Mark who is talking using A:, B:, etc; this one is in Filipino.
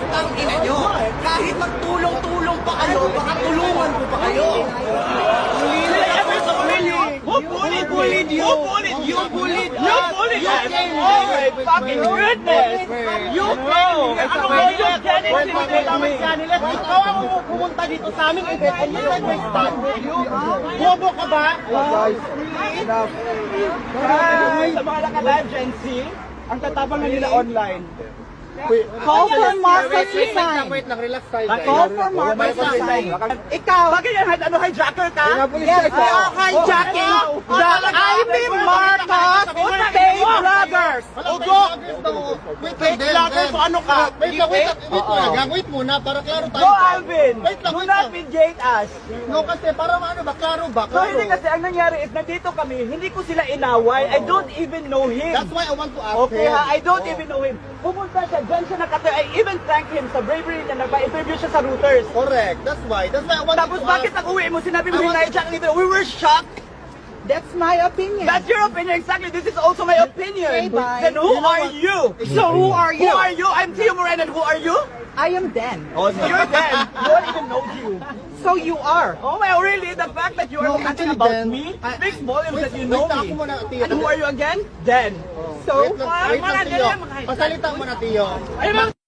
A: Putang ina nyo. Kahit magtulong-tulong pa kayo, baka tulungan ko pa kayo.
B: Who bullied you? Who bullied you? You bullied us. You bullied us. Oh my fucking goodness. You came here. Ano ba yung Janet? Ikaw ang pumunta dito sa amin. And you said we stand with you. Bobo ka ba? Sa mga naka-live Gen Z, ang tatapang na nila online.
C: Call for Marcos resign.
A: Wait lang, relax tayo.
C: Call for Marcos resign. Ikaw.
B: Bakit yan? Ano, hijacker ka?
C: Yes, you are hijacking the Ivy Marcos fake bloggers.
A: Ugo! Wait lang,
B: Fake vlogger, so ano ka?
A: Wait lang, wait muna, para klaro tayo.
B: No, Alvin.
A: Wait lang,
B: Do
A: wait
B: not
A: lang.
B: mediate us.
A: No, kasi para ano ba, klaro ba?
B: So hindi kasi ang nangyari is nandito kami, hindi ko sila inaway. I don't even know him.
A: That's why I want to ask
B: Okay
A: him.
B: ha, I don't even know him. Pumunta siya, dyan siya nakatayo. I even thank him sa bravery niya, nagpa-interview siya sa Reuters.
A: Correct, that's why I want
B: Tapos
A: to
B: bakit
A: ask.
B: nag-uwi mo, sinabi mo hinahijack nila? We were shocked.
C: That's my opinion.
B: That's your opinion, exactly. This is also my opinion.
C: Okay, bye.
B: Then who are you?
C: So who are
B: Who
C: you?
B: are you? I'm Tio Moreno, and who are you?
C: I am Dan.
B: Oh, so you're Dan. No one even knows you.
C: So you are.
B: Oh my, really? The fact that you are
A: No,
B: commenting
A: actually,
B: about
A: Dan,
B: me speaks volumes that you
A: wait
B: know
A: lang,
B: me.
A: ako muna, Tio.
B: And who are you again? Dan.
C: So
A: Wait lang, Tio. Pasalita mo na, Tio.
B: Ayun lang.